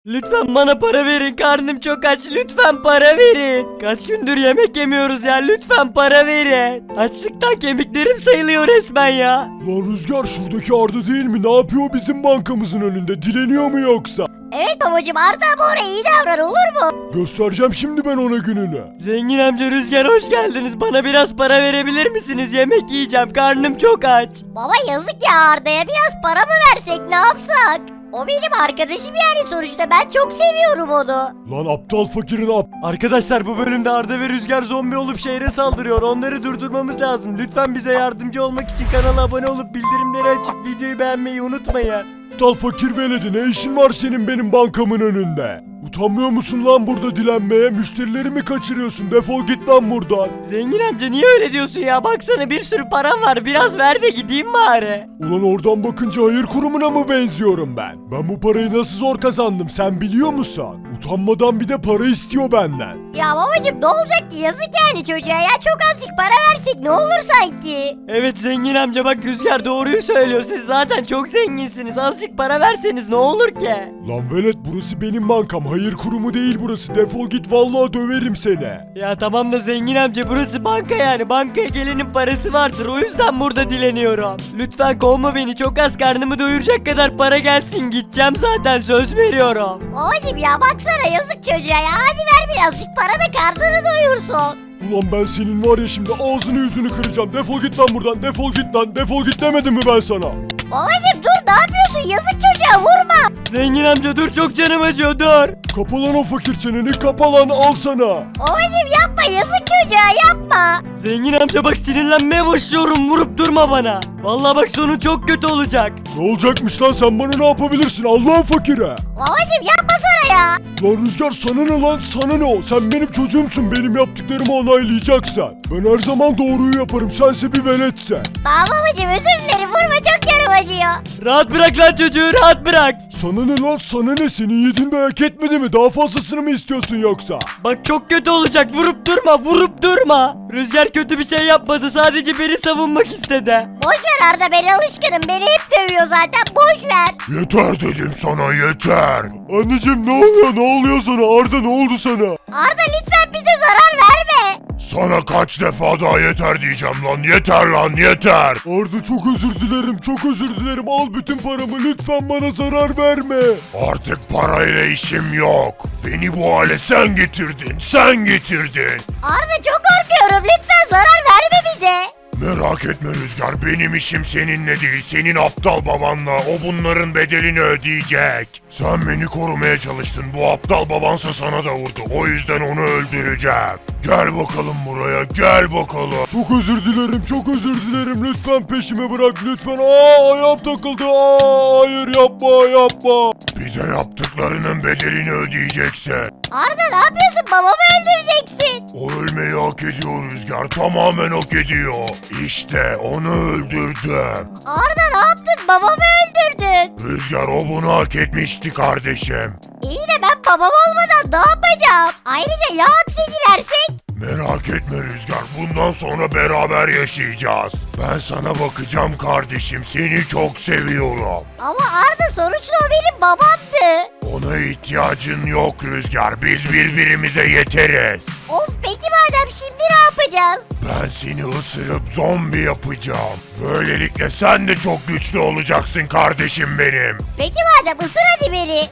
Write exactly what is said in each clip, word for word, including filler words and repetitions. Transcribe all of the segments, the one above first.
Lütfen bana para verin, karnım çok aç, lütfen para verin. Kaç gündür yemek yemiyoruz ya, lütfen para verin. Açlıktan kemiklerim sayılıyor resmen ya. Lan Rüzgar, şuradaki Arda değil mi? Ne yapıyor bizim bankamızın önünde? Dileniyor mu yoksa? Evet babacım, Arda abi oraya iyi davran, olur mu? Göstereceğim şimdi ben ona gününü. Zengin amca, Rüzgar hoş geldiniz. Bana biraz para verebilir misiniz? Yemek yiyeceğim, karnım çok aç. Baba yazık ya, Arda'ya biraz para mı versek, ne yapsak? O benim arkadaşım yani sonuçta, ben çok seviyorum onu. Lan aptal fakirin ap... Arkadaşlar, bu bölümde Arda ve Rüzgar zombi olup şehre saldırıyor. Onları durdurmamız lazım. Lütfen bize yardımcı olmak için kanala abone olup bildirimleri açıp videoyu beğenmeyi unutmayın. Aptal fakir veledi, ne işin var senin benim bankamın önünde? Utanmıyor musun lan burada dilenmeye? Müşterilerimi kaçırıyorsun, defol git lan buradan. Zengin amca, niye öyle diyorsun ya? Baksana, bir sürü param var. Biraz ver de gideyim bari. Ulan oradan bakınca hayır kurumuna mı benziyorum ben? Ben bu parayı nasıl zor kazandım sen biliyor musun? Utanmadan bir de para istiyor benden. Ya babacım ne olacak ki, yazık yani çocuğa ya, çok azıcık para versek ne olur sanki. Evet zengin amca, bak Rüzgar doğruyu söylüyor. Siz zaten çok zenginsiniz. Azıcık para verseniz ne olur ki? Lan velet, burası benim bankam, hayır kurumu değil burası, defol git vallahi döverim seni. Ya tamam da zengin amca, burası banka yani. Bankaya gelenin parası vardır. O yüzden burada dileniyorum. Lütfen kovma beni. Çok az, karnımı doyuracak kadar para gelsin. Gideceğim zaten, söz veriyorum. Babacım ya baksana, yazık çocuğa ya, hadi ver birazcık para da karnını doyursun. Ulan ben senin var ya şimdi ağzını yüzünü kıracağım, defol git lan buradan, defol git lan, defol git demedim mi ben sana? Babacım dur, ne yapıyorsun, yazık çocuğa, vurma. Zengin amca dur, çok canım acıyor, dur. Kapa lan o fakir çeneni, kapa lan, al sana. Babacım yapma, yazık çocuğa, yapma. Zengin amca bak, sinirlenmeye başlıyorum. Vurup durma bana. Vallahi bak, sonu çok kötü olacak. Ne olacakmış lan, sen bana ne yapabilirsin Allah'ın fakire? Babacım yapmasana ya. Lan Rüzgar, sana ne lan, sana ne o? Sen benim çocuğumsun, benim yaptıklarımı onaylayacaksın. Ben her zaman doğruyu yaparım, sense bir veletsen. Tamam babacım, özür dilerim, vurma, çok canım acıyor. Rahat bırak lan çocuğu, rahat bırak. Sana ne lan, sana ne, senin yediğin dayak etmedi mi? Daha fazlasını mı istiyorsun yoksa? Bak çok kötü olacak, vurup durma, vurup durma. Rüzgar kötü bir şey yapmadı, sadece beni savunmak istedi. Boş ver Arda, ben alışkınım, beni hep dövüyor zaten, boş ver. Yeter dedim sana, yeter. Anneciğim ne oluyor, ne oluyor sana? Arda ne oldu sana? Arda lütfen bize zarar verme. Sana kaç defa daha yeter diyeceğim lan, yeter lan, yeter. Arda çok özür dilerim, çok özür dilerim. Al bütün paramı, lütfen bana zarar verme. Artık parayla işim yok. Beni bu hale sen getirdin, sen getirdin. Arda çok korkuyorum, lütfen zarar verme bize. Merak etme Rüzgar, benim işim seninle değil, senin aptal babanla. O bunların bedelini ödeyecek. Sen beni korumaya çalıştın, bu aptal babansa sana da vurdu. O yüzden onu öldüreceğim. Gel bakalım buraya, gel bakalım. Çok özür dilerim, çok özür dilerim. Lütfen peşimi bırak, lütfen. Aa, ayağım takıldı. Aa, hayır yapma, yapma. Bize yaptıklarının bedelini ödeyeceksin. Arda ne yapıyorsun, babamı öldüreceksin. O ölmeyi hak ediyor Rüzgar, tamamen hak ediyor. İşte onu öldürdüm. Arda ne yaptın, babamı öldürdün. Rüzgar, o bunu hak etmişti kardeşim. İyi de ben babam olmadan ne yapacağım? Ayrıca ya hapse girersek? Merak etme Rüzgar, bundan sonra beraber yaşayacağız. Ben sana bakacağım kardeşim, seni çok seviyorum. Ama Arda sonuçta o benim babamdı. Ona ihtiyacın yok Rüzgar, biz birbirimize yeteriz. Of, peki madem şimdi ne yapacağız? Ben seni ısırıp zombi yapacağım. Böylelikle sen de çok güçlü olacaksın kardeşim benim. Peki madem, ısır hadi beni.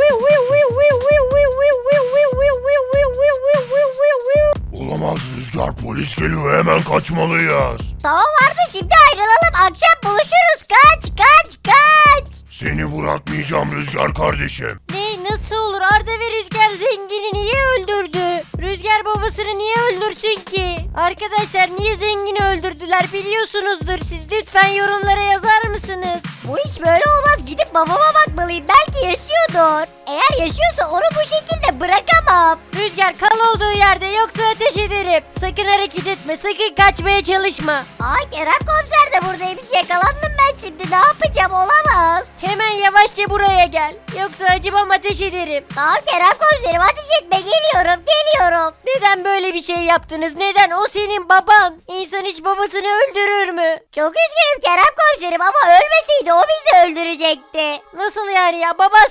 Olamaz Rüzgar, polis geliyor, hemen kaçmalıyız. Tamam Arda, şimdi ayrılalım, akşam buluşuruz, kaç kaç kaç. Seni bırakmayacağım Rüzgar kardeşim. Ne, nasıl olur? Arda ve Rüzgar zengini niye öldürdü? Rüzgar babasını niye öldürsün ki? Arkadaşlar, niye zengini öldürdüler biliyorsunuzdur siz. Lütfen yorumlara yazar mısınız? Bu iş böyle olmaz, gidip babama bakmalıyım, belki yaşıyordur. Eğer yaşıyorsa onu bu şekilde bırakamam. Rüzgar kal olduğu yerde, yoksa ateş ederim. Sakın hareket etme, sakın kaçmaya çalışma. Aa, Kerem komiser de buradaymış, yakalandım ben şimdi, ne yapacağım, olamaz. Hemen yavaşça buraya gel. Yoksa acımam, ateş ederim. Tamam Kerem komiserim, ateş etme, geliyorum geliyorum. Neden böyle bir şey yaptınız? Neden? O senin baban. İnsan hiç babasını öldürür mü? Çok üzgünüm Kerem komiserim ama ölmeseydi o bizi öldürecekti. Nasıl yani ya? Baban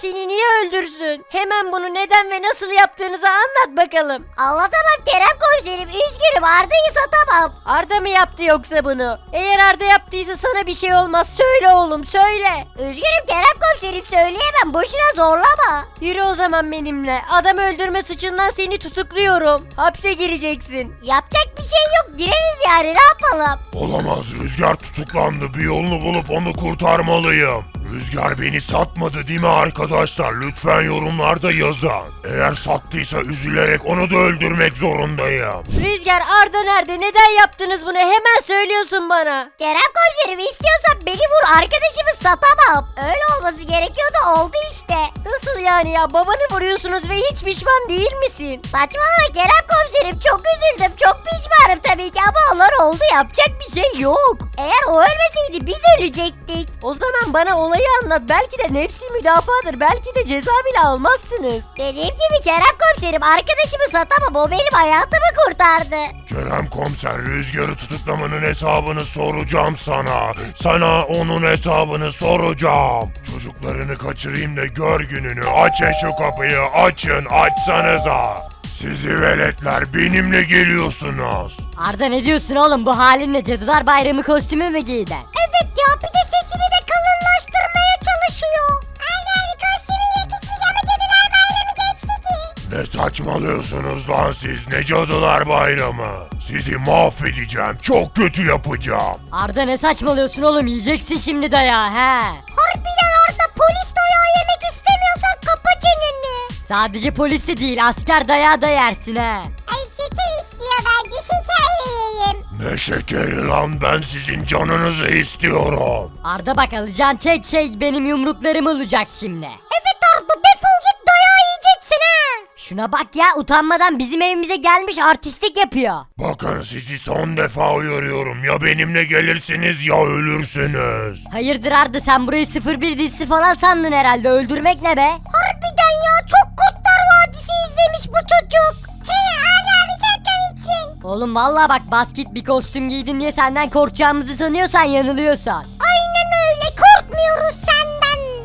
seni niye öldürsün? Hemen bunu neden ve nasıl yaptığınızı anlat bakalım. Anlatamam Kerem komiserim, üzgünüm, Arda'yı satamam. Arda mı yaptı yoksa bunu? Eğer Arda yaptıysa sana bir şey olmaz. Söyle oğlum söyle. Üzgünüm Kerem komiserim, söyleyemem, boşuna zorlama. Yürü o zaman benimle. Adam öldürme suçundan seni tutukluyorum. Hapse gireceksin. Yapacak bir şey yok, gireriz yani, ne yapalım? Olamaz, Rüzgar tutuklandı. Bir yolunu bulup onu kurtarmalıyım. Rüzgar beni satmadı değil mi arkadaşlar? Lütfen yorumlarda yazın. Eğer sattıysa üzülerek onu da öldürmek zorundayım. Rüzgar, Arda nerede? Neden yaptınız bunu? Hemen söylüyorsun bana. Kerem komiserim, istiyorsan beni vur, arkadaşımı satamam. Öyle olması gerekiyordu, oldu işte. Nasıl yani ya? Babanı vuruyorsunuz ve hiç pişman değil misin? Saçmalama Kerem komiserim, çok üzüldüm, çok pişmanım tabii ki ama olan oldu, yapacak bir şey yok. Eğer o ölmeseydi biz ölecektik. O zaman bana olayı anlat. Belki de nefsi müdafadır. Belki de ceza bile almazsınız. Dediğim gibi Kerem komiserim, arkadaşımı satamam, o benim hayatımı kurtardı. Kerem komiser, Rüzgar'ı tutuklamanın hesabını soracağım sana. Sana onun hesabını soracağım. Çocuklarını kaçırayım da gör gününü. Açın şu kapıyı, açın, açsanıza. Sizi veletler, benimle geliyorsunuz. Arda ne diyorsun oğlum, bu halinle Cadılar Bayramı kostümü mü giydin? Evet ya, bir de sesini de kalınlaştırmaya çalışıyor. Aynen, kostümü yakışmış ama Cadılar Bayramı geçti ki. Ne saçmalıyorsunuz lan siz, ne Cadılar Bayramı? Sizi mahvedeceğim, çok kötü yapacağım. Arda ne saçmalıyorsun oğlum, yiyeceksin şimdi dayağı he. Harbiden Arda, polis dayağı yemek istemiyorsan kapa çeneni. Sadece polis de değil, asker dayağı da yersin he. Ay şeker istiyor, bence şeker yiyeyim. Ne şekeri lan, ben sizin canınızı istiyorum. Arda bak, alacağın çek şey benim yumruklarım olacak şimdi. Evet Arda, defol git, dayağı yiyeceksin ha. Şuna bak ya, utanmadan bizim evimize gelmiş artistlik yapıyor. Bakın sizi son defa uyarıyorum, ya benimle gelirsiniz ya ölürsünüz. Hayırdır Arda, sen burayı sıfır bir dizisi falan sandın herhalde, öldürmek ne be? Harbiden ya, çok Kurtlar Vadisi izlemiş bu çocuk. He Arda abi, çok komiksin. Oğlum vallahi bak, basket bir kostüm giydin diye senden korkacağımızı sanıyorsan yanılıyorsan. Aynen öyle, korkmuyoruz senden.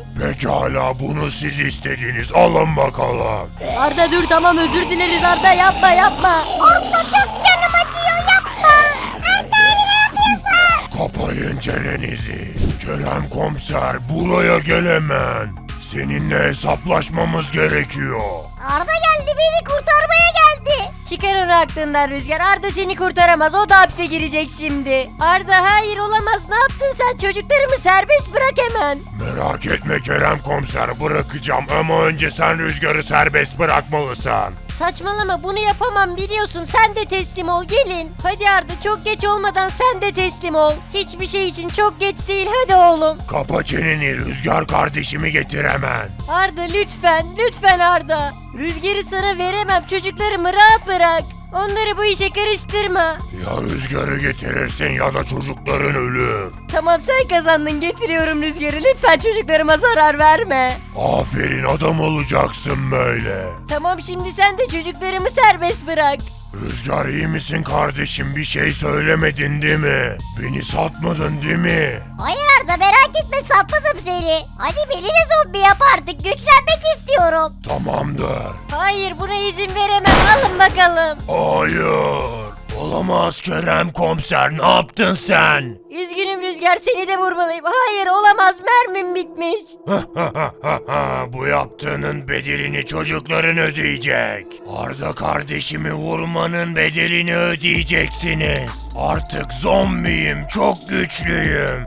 Pekala, bunu siz istediniz, alın bakalım. Arda dur, tamam özür dileriz Arda, yapma yapma. Arda çok canım acıyor, yapma. Arda abi ne yapıyorsun? Kapayın çenenizi. Kerem komiser, buraya gel hemen. Seninle hesaplaşmamız gerekiyor. Arda geldi, beni kurtarmaya geldi. Çıkar onu aklından Rüzgar. Arda seni kurtaramaz. O da hapse girecek şimdi. Arda hayır olamaz. Ne yaptın sen? Çocuklarımı serbest bırak hemen. Merak etme Kerem komiser, bırakacağım ama önce sen Rüzgar'ı serbest bırakmalısın. Saçmalama, bunu yapamam biliyorsun. Sen de teslim ol, gelin. Hadi Arda, çok geç olmadan sen de teslim ol. Hiçbir şey için çok geç değil, hadi oğlum. Kapa çeneni, Rüzgar kardeşimi getir hemen. Arda lütfen, lütfen Arda. Rüzgarı sana veremem, çocuklarımı rahat bırak. Onları bu işe karıştırma. Ya Rüzgar'ı getirirsin ya da çocukların ölür. Tamam, sen kazandın, getiriyorum Rüzgarı. Lütfen çocuklarıma zarar verme. Aferin, adam olacaksın böyle. Tamam, şimdi sen de çocuklarımı serbest bırak. Rüzgar, iyi misin kardeşim, bir şey söylemedin değil mi? Beni satmadın değil mi? Hayır Arda, merak etme, satmadım seni. Hadi beni de zombi yap artık, güçlenmek istiyorum. Tamamdır. Hayır, buna izin veremem. Alın bakalım. Hayır. Olamaz Kerem komiser, ne yaptın sen? Üzgünüm Rüzgar, seni de vurmalıyım. Hayır olamaz, mermim bitmiş. Bu yaptığının bedelini çocukların ödeyecek. Arda kardeşimi vurmanın bedelini ödeyeceksiniz. Artık zombiyim, çok güçlüyüm.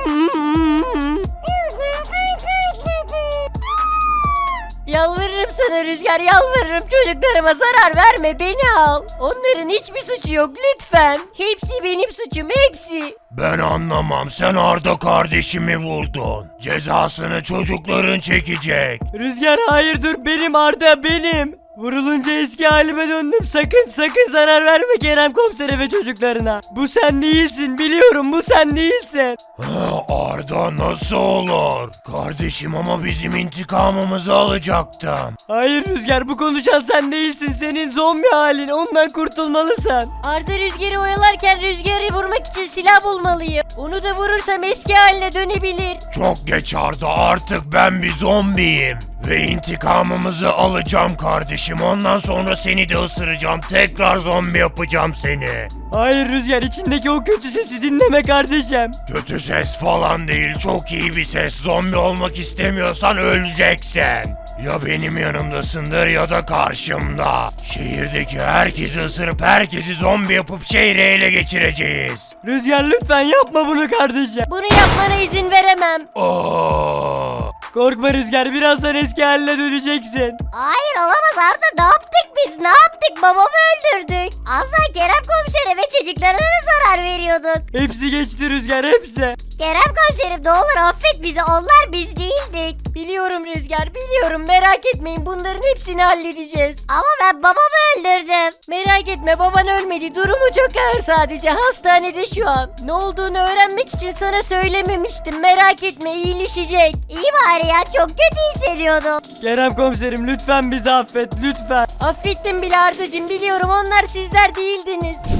Yalvarırım sana Rüzgar, yalvarırım, çocuklarıma zarar verme, beni al. Onların hiçbir suçu yok, lütfen. Hepsi benim suçum, hepsi. Ben anlamam, sen Arda kardeşimi vurdun. Cezasını çocukların çekecek. Rüzgar hayır dur, benim Arda benim. Vurulunca eski halime döndüm, sakın sakın zarar verme Kerem komisere ve çocuklarına. Bu sen değilsin, biliyorum bu sen değilsin. Ha, Arda nasıl olur? Kardeşim ama bizim intikamımızı alacaktım. Hayır Rüzgar, bu konuşan sen değilsin, senin zombi halin, ondan kurtulmalısın. Arda Rüzgar'ı oyalarken Rüzgar'ı vurmak için silah bulmalıyım. Onu da vurursam eski haline dönebilir. Çok geç Arda, artık ben bir zombiyim. Ve intikamımızı alacağım kardeşim. Ondan sonra seni de ısıracağım. Tekrar zombi yapacağım seni. Hayır Rüzgar, içindeki o kötü sesi dinleme kardeşim. Kötü ses falan değil, çok iyi bir ses. Zombi olmak istemiyorsan öleceksin. Ya benim yanımdasındır ya da karşımda. Şehirdeki herkesi ısırıp herkesi zombi yapıp şehri ele geçireceğiz. Rüzgar lütfen yapma bunu kardeşim. Bunu yapmana izin veremem. Oo. Korkma Rüzgar, birazdan eski haline döneceksin. Hayır olamaz Arda, ne yaptık biz, ne yaptık, babamı öldürdük. Az daha Kerem komisere ve çocuklarına da zarar veriyorduk. Hepsi geçti Rüzgar, hepsi. Kerem komiserim ne olur affet bizi, onlar biz değildik. Biliyorum Rüzgar, biliyorum, merak etmeyin, bunların hepsini halledeceğiz. Ama ben babamı öldürdüm. Merak etme, baban ölmedi, durumu çok ağır, sadece hastanede şu an. Ne olduğunu öğrenmek için sana söylememiştim, merak etme, iyileşecek. İyi bari ya, çok kötü hissediyordum. Kerem komiserim lütfen bizi affet, lütfen. Affettim bile Ardacığım, biliyorum, onlar sizler değildiniz.